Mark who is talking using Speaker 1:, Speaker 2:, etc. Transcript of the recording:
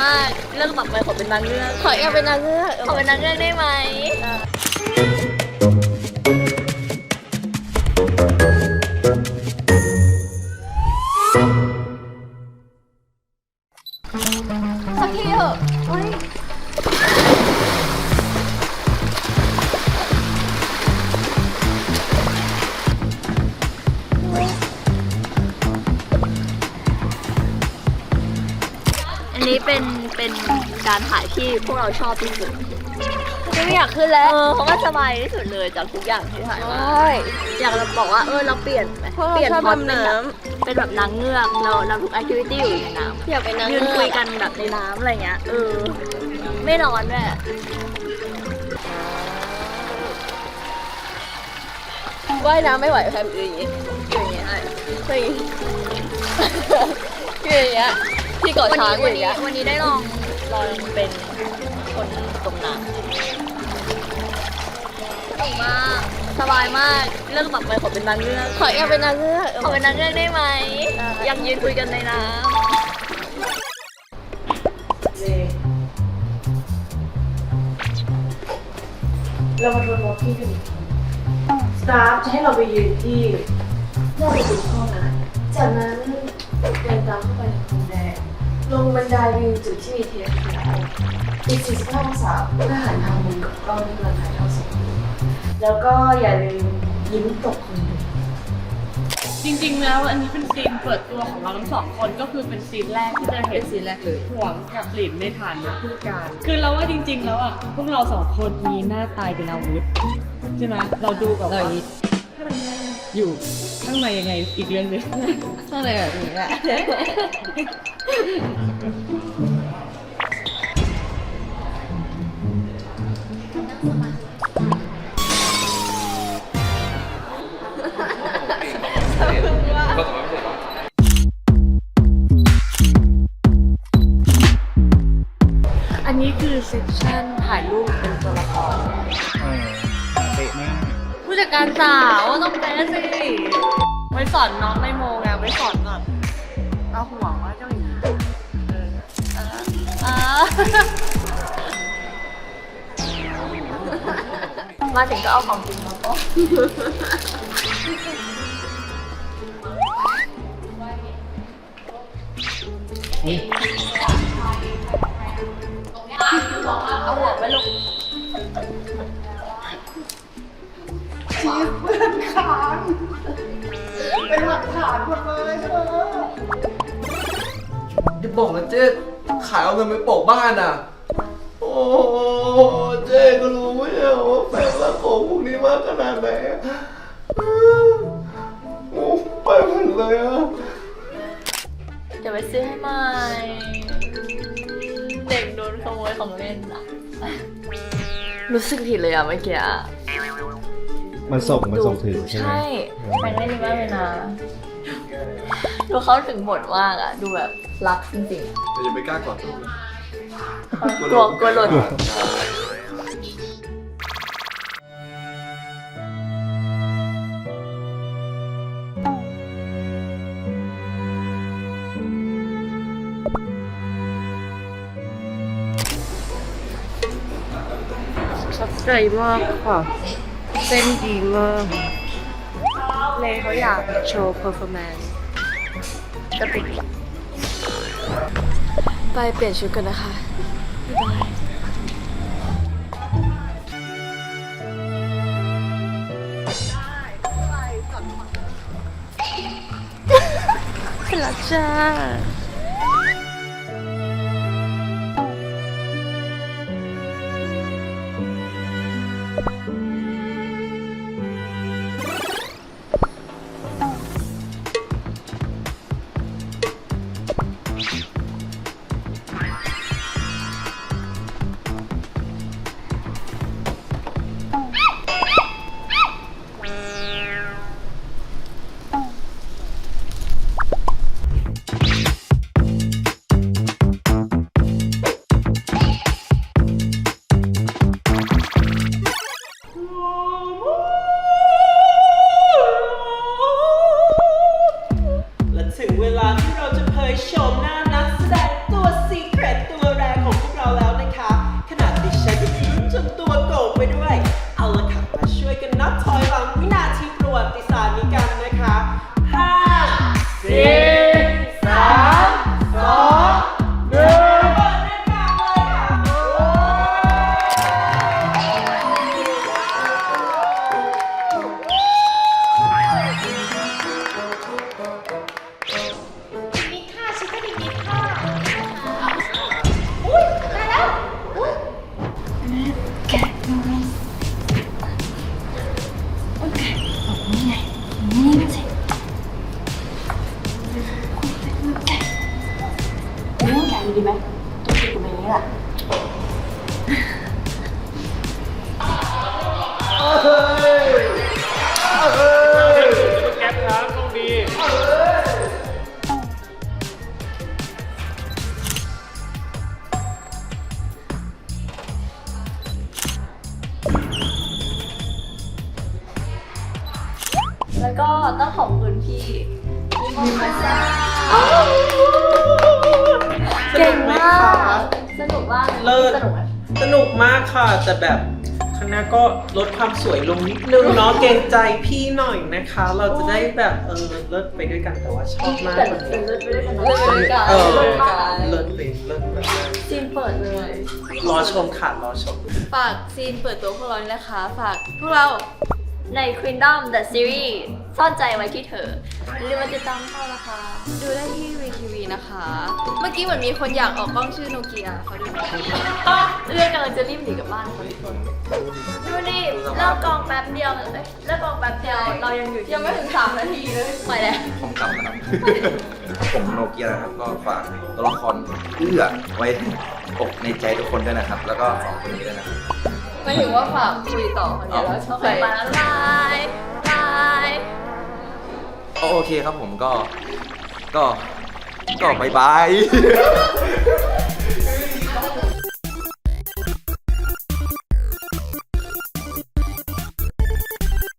Speaker 1: ากเรื่องต่อไปขอเป็นนางเงือก
Speaker 2: ขออยากเป็นนางเงือก
Speaker 1: ขอเป็นนางเงือกได้ไหมสักทีเถอะเฮ้ยอันนี้เป็นการถ่ายที่พวกเราชอบที่สุดไม่อยากขึ้นแล้วเพราะว่าสบายที่สุดเลยจากทุกอย่างที่ถ่ายมาอยากจะบอกว่าเราเปลี่ยนไหมเปลี่ยนพอดเป็นแบบนางเงือกเราทุกแอคทิวิตี้อยู่ในน้ำ
Speaker 2: อยากเป็นนาง
Speaker 1: ยื
Speaker 2: เงื
Speaker 1: น
Speaker 2: อก
Speaker 1: คุยกันแบบในน้ำอะไรเงี้ยไม่ร้อนด้วย
Speaker 2: ว่ายน้ำไม่ไหวแพมอยู่อย่างงี้อยู่อย่างงี้คืออย่างงี้คืออย่างเงี้ยที่เกาะช้างอยู่อย่างเงี้ย
Speaker 1: วันนี้ได้ลองเป็นคนตรงน้ำสนุกมากสบายมากเรื่องต่อไปขอเป็นนางเงือก
Speaker 2: ขออยากเป็นนางเงือก
Speaker 1: ขอเป็นนางเงือกได้ไหมอยากยืนคุยกันในน้ำ
Speaker 3: เรามาทวนวอล์กกิ้งกันอีกทีสตาฟจะให้เราไปยืนที่หน้าประตูห้องนะจากนั้นเดินตามเข้าไปในห้องแดงลงบันไดวิวจุดที่มีเทียนขาวอีก45องศาเพื่อหันทางมุมกับกล้องที่กำลังถ่ายทอดสดแล้วก็อย่าลืมยิ้มตกคนดู
Speaker 4: จริงๆแล้วอันนี้เป็นซีนเปิดตัวของเราทั้งสองคนก็คือเป็นซีนแรกที่จะเห็นซีนแรกเลยหวงกับหลินในฐานะผู้การคือเราว่าจริงๆแล้วอ่ะพวกเราสองคนมีหน้าตายเป็นอาวุธใช่ไหมเราดูแบบว่าอยู่ข้างในยังไงอีกเรื่องหนึง
Speaker 2: ข้างในแบบนี้แหละ
Speaker 4: อันนี้คือเซสชั่นถ่ายรูปเป็นตัวละคร
Speaker 5: เตะมาก
Speaker 4: ผู้จัดการสาวต้องเป๊ะสิไว้สอนน้องในโมไงไว้สอนแบบเอาห่วงว่าเจ้าหญิง
Speaker 1: มาถึงก็เอาของจริงมาก็เอาหัวไปลง
Speaker 6: จะบอกนะเจ๊ขายเอาเงินไปโปะบ้านอ่ะ โอ้เจ๊ก็รู้ไม่ใช่เหรอว่าแฟนรักของพวกนี้มากขนาดไหนอะโอ้ไปหมดเลยอ่ะ
Speaker 1: เดี๋ยวไปซื้อให้ใหม่เด็กโดนขโมยของเล่นอ่ะรู้สึกผิดเลยอ่ะเมื่อกี้อะ
Speaker 5: มันส่งถึงใช่ไหม
Speaker 1: ใช่แฟนไม่ดีมากเลยนะดูเขาถึงบทมากอ่ะดูแบบรักจริง
Speaker 6: แต่อย่าไปกล้ากอดตัว
Speaker 1: ๆกลัวหล่น
Speaker 4: ชัดใจมากค่ะเต้นดีมากเลยเขาอยากโชว์เพอร์ฟอร์แมนซ์กระติก
Speaker 2: ไปเปลี่ยนชุดกันนะคะเสร็จแล้วจ้า
Speaker 7: แก๊ปครับต้องดี
Speaker 1: แล้วก็ต้องขอบคุณพี่มีมาซ่าเก่งมากสนุกมาก
Speaker 8: เลิศ
Speaker 1: สนุกไหม
Speaker 8: สนุกมากค่ะ แต่แบบคณะก็ลดความสวยลงนิดนึงเนาะเกรงใจพี่หน่อยนะคะ เราจะได้แบบเลิศไปด้วยกันแต่ว่าชอบมาก
Speaker 1: แต่
Speaker 8: เลย
Speaker 1: เป็นเลิศไปด้วยกัน
Speaker 2: เลิศไปด้วยกัน
Speaker 8: เออ
Speaker 2: เลิศไปด้วยกัน
Speaker 8: เลิศไปเลิศแบบ
Speaker 1: ซีนเปิดเลย
Speaker 8: รอชมค่ะรอชม
Speaker 2: ฝากซีนเปิดตัวพวกเรานี่นะคะฝากพวกเรา
Speaker 1: ใน Queendom The Series ซ่อนใจไว้ที่เธออย่าลืมมาติดตามพวกเรานะคะ
Speaker 2: ดูได้ที่ VTV นะคะ เมื่อกี้เหมือนมีคนอยากออกกล้องชื่อโนเกียเขาดูหน่อย
Speaker 1: เรื่องกำลังจะรีบหนีกลับบ้านคนทุกคนดูนี่เลิกกองแป๊บเดียวเลยเลิกกองแป๊บเดียวเรายังอยู่ที่
Speaker 2: ยังไม่ถึง3 นาทีเลย
Speaker 1: ไปแล้ว
Speaker 9: ผมกลับนะครับ ผมโนเกียนะครับ ก็ฝากตัวละครเอื้อไว้อกในใจทุกคนด้วยนะครับ แล้วก็สองคนนี้ด้วยนะครับ
Speaker 2: ไม่ถึงว่าฝากคุยต่อคนเดียวแล้วชอบ
Speaker 1: ไป
Speaker 2: ไป
Speaker 1: มาแล้วบายบาย
Speaker 9: โอเคครับผมก็บายบาย